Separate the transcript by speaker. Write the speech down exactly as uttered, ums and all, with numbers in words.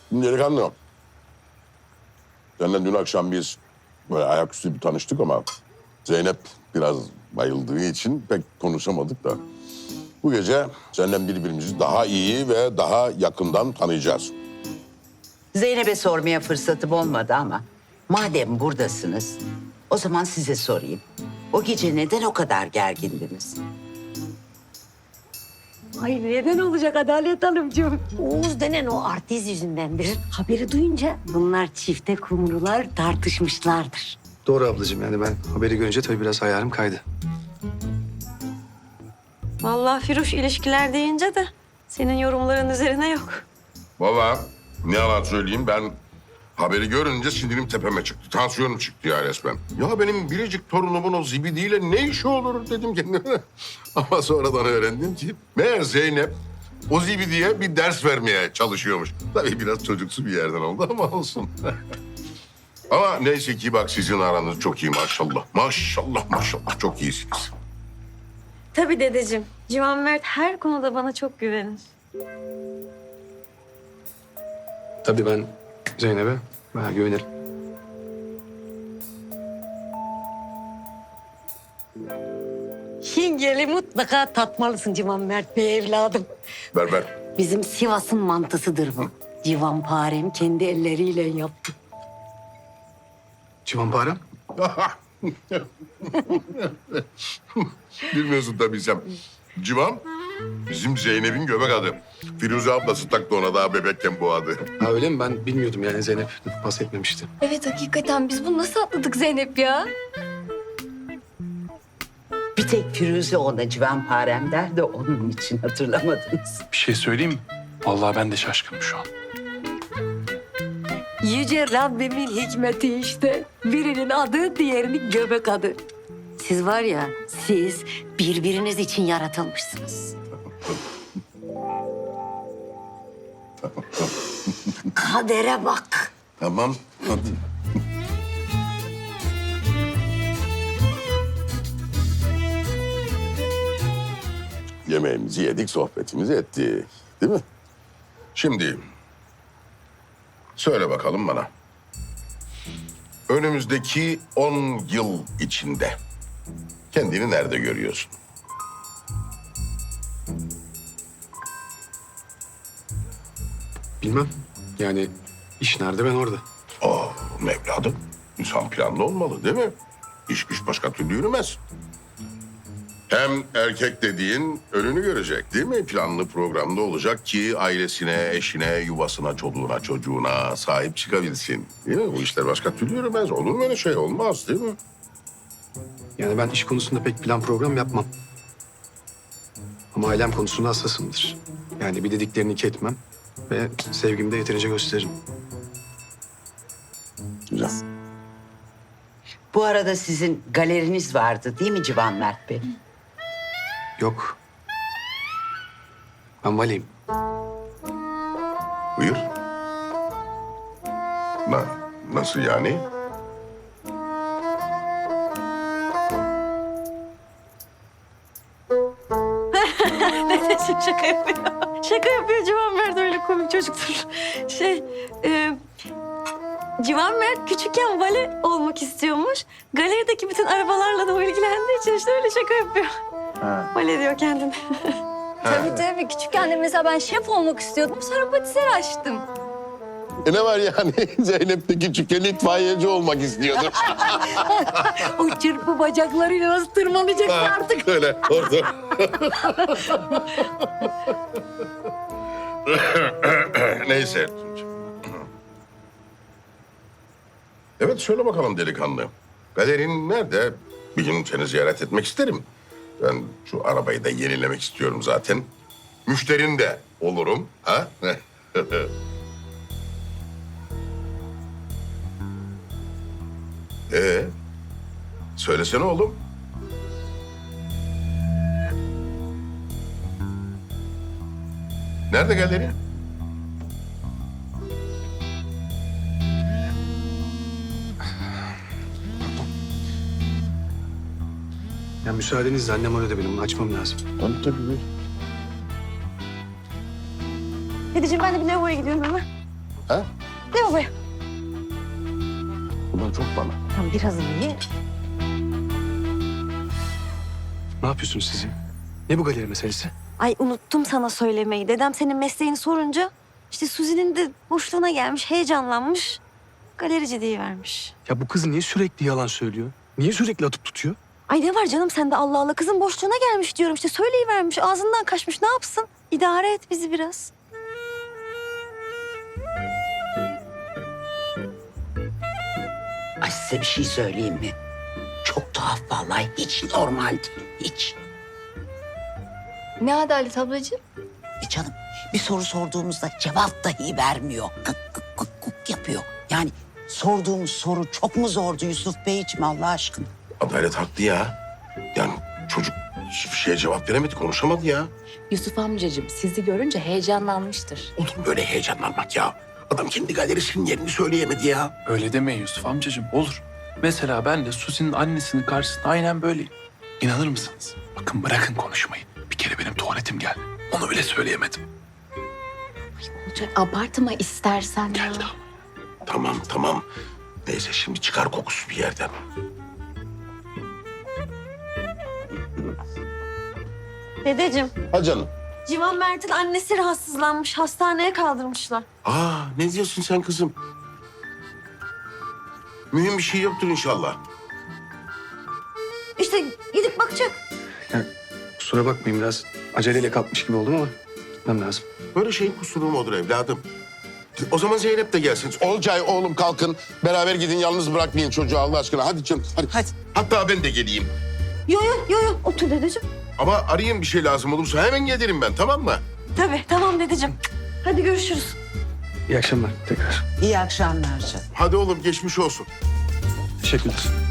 Speaker 1: Delikanlı. Seninle dün akşam biz böyle ayaküstü bir tanıştık ama Zeynep biraz bayıldığı için pek konuşamadık da. Bu gece senden birbirimizi daha iyi ve daha yakından tanıyacağız.
Speaker 2: Zeynep'e sormaya fırsatım olmadı ama madem buradasınız o zaman size sorayım. O gece neden o kadar gergindiniz?
Speaker 3: Ay neden olacak Adalet Hanımcığım? Oğuz denen o artist yüzündendir. Haberi duyunca bunlar çifte kumrular tartışmışlardır.
Speaker 4: Doğru ablacığım, yani ben haberi görünce tabii biraz ayarım kaydı.
Speaker 5: Vallahi Firuş ilişkiler deyince de senin yorumların üzerine yok.
Speaker 1: Vallahi ne yalan söyleyeyim, ben haberi görünce sinirim tepeme çıktı. Tansiyonum çıktı ya resmen. Ya benim biricik torunumun o zibidiyle ne işi olur dedim kendime. Ama sonradan öğrendim ki meğer Zeynep o zibidiye bir ders vermeye çalışıyormuş. Tabii biraz çocuksu bir yerden oldu ama olsun. Ama neyse ki bak sizin aranız çok iyi maşallah. Maşallah maşallah çok iyisiniz.
Speaker 5: Tabii dedeciğim. Civan Mert her konuda bana çok güvenir.
Speaker 4: Tabii ben Zeynep'e bayağı güvenirim.
Speaker 3: Hingeli mutlaka tatmalısın Civan Mert Bey evladım.
Speaker 1: Ver ver.
Speaker 3: Bizim Sivas'ın mantısıdır bu. Civanparem kendi elleriyle yaptı.
Speaker 4: Civanparem?
Speaker 1: Bilmiyorsun tabii sen. Civan bizim Zeynep'in göbek adı. Firuze ablası taktı ona daha bebekken bu adı.
Speaker 4: Ha öyle mi? Ben bilmiyordum, yani Zeynep bahsetmemişti.
Speaker 6: Evet hakikaten biz bunu nasıl atladık Zeynep ya?
Speaker 2: Bir tek Firuze ona civanparem der de onun için hatırlamadınız.
Speaker 7: Bir şey söyleyeyim mi? Vallahi ben de şaşkınım şu an.
Speaker 3: Yüce Rabbimin hikmeti işte. Birinin adı, diğerinin göbek adı. Siz var ya, siz birbiriniz için yaratılmışsınız. Kadere bak.
Speaker 1: Tamam hadi. Yemeğimizi yedik, sohbetimizi ettik. Değil mi? Şimdi söyle bakalım bana. Önümüzdeki on yıl içinde kendini nerede görüyorsun?
Speaker 4: Bilmem. Yani iş nerede, ben orada.
Speaker 1: Aa, evladım, insan planlı olmalı değil mi? İş güç başka türlü yürümez. Hem erkek dediğin önünü görecek değil mi? Planlı programda olacak ki ailesine, eşine, yuvasına, çoluğuna, çocuğuna sahip çıkabilsin. Değil mi? Bu işler başka türlü yürümez. Olur mu öyle şey? Olmaz değil mi?
Speaker 4: Yani ben iş konusunda pek plan program yapmam. Ama ailem konusunda hassasımdır. Yani bir dediklerini iki etmem ve sevgimi de yeterince gösteririm.
Speaker 1: Güzel.
Speaker 2: Bu arada sizin galeriniz vardı değil mi Civan Mert Bey?
Speaker 4: Yok. Ben valiyim.
Speaker 1: Buyur. Na, nasıl yani?
Speaker 5: Dedeciğim şaka yapıyor. Şaka yapıyor Civan Mert, öyle komik çocuktur. Şey, e, Civan Mert küçükken vale olmak istiyormuş. Galerideki bütün arabalarla da o ilgilendiği için işte öyle şaka yapıyor.
Speaker 1: Ha.
Speaker 5: Vale diyor kendine.
Speaker 6: Tabii tabii küçükken de mesela ben şef olmak istiyordum sonra patiseri açtım.
Speaker 1: E ne var yani? Zeynep de küçükken itfaiyeci olmak istiyordu.
Speaker 3: O çırpı bacaklarıyla nasıl tırmanacak artık?
Speaker 1: Öyle orada. Neyse. Evet söyle bakalım delikanlı. Galerin nerede? Bir gün seni ziyaret etmek isterim. Ben şu arabayı da yenilemek istiyorum zaten. Müşterin de olurum. Ha? Ee, söylesene oğlum. Nerede galeri?
Speaker 4: Ya müsaadenizle annem orada benim. Açmam lazım.
Speaker 1: Tabii tabii.
Speaker 5: Dedeciğim ben de bir lavaboya gidiyorum hemen.
Speaker 1: Ha?
Speaker 5: Ne babaya?
Speaker 1: Bundan çok bana.
Speaker 5: Tamam birazını ye.
Speaker 4: Ne yapıyorsunuz siz ya? Ne bu galeri meselesi?
Speaker 5: Ay unuttum sana söylemeyi. Dedem senin mesleğini sorunca işte Suzi'nin de boşluğuna gelmiş, heyecanlanmış. Galerici diye vermiş.
Speaker 4: Ya bu kız niye sürekli yalan söylüyor? Niye sürekli atıp tutuyor?
Speaker 5: Ay ne var canım sende Allah Allah. Kızın boşluğuna gelmiş diyorum işte. Söyleyivermiş. Ağzından kaçmış. Ne yapsın? İdare et bizi biraz.
Speaker 2: Ay size bir şey söyleyeyim mi? Çok tuhaf vallahi. Hiç normal değil. Hiç.
Speaker 6: Ne adalet ablacığım?
Speaker 2: E canım bir soru sorduğumuzda cevap dahi vermiyor. Kık kık kık kık yapıyor. Yani sorduğumuz soru çok mu zordu Yusuf Beyciğim Allah aşkına?
Speaker 1: Adalet haklı ya. Yani çocuk hiçbir şeye cevap veremedi, konuşamadı ya.
Speaker 8: Yusuf amcacığım sizi görünce heyecanlanmıştır.
Speaker 1: Olur mu böyle heyecanlanmak ya? Adam kendi galerisinin yerini söyleyemedi ya.
Speaker 7: Öyle demeyin Yusuf amcacığım, olur. Mesela ben de Suzi'nin annesinin karşısında aynen böyleyim. İnanır mısınız? Bakın bırakın konuşmayı. Bir kere benim tuvaletim geldi. Onu bile söyleyemedim.
Speaker 8: Olacak abartma istersen ya.
Speaker 7: Geldi ama.
Speaker 1: Tamam tamam. Neyse şimdi çıkar kokusu bir yerden.
Speaker 5: Dedeciğim,
Speaker 1: Ha canım.
Speaker 5: Civan Mert'in annesi rahatsızlanmış. Hastaneye kaldırmışlar.
Speaker 1: Aa ne diyorsun sen kızım? Mühim bir şey yoktur inşallah.
Speaker 5: İşte gidip bakacak.
Speaker 4: Yani kusura bakmayın biraz aceleyle kalkmış gibi oldum ama gitmem lazım.
Speaker 1: Böyle şeyin kusuru mu olur evladım? O zaman Zeynep de gelsin. Olcay oğlum kalkın. Beraber gidin, yalnız bırakmayın çocuğu Allah aşkına. Hadi canım hadi.
Speaker 2: Hadi.
Speaker 1: Hatta ben de geleyim.
Speaker 5: Yo yo yo yo. Otur dedeciğim.
Speaker 1: Ama arayayım bir şey lazım olursa hemen gelirim ben, tamam mı?
Speaker 5: Tabii tamam dedeciğim. Hadi görüşürüz.
Speaker 4: İyi akşamlar tekrar.
Speaker 2: İyi akşamlar canım.
Speaker 1: Hadi oğlum geçmiş olsun.
Speaker 4: Teşekkürler.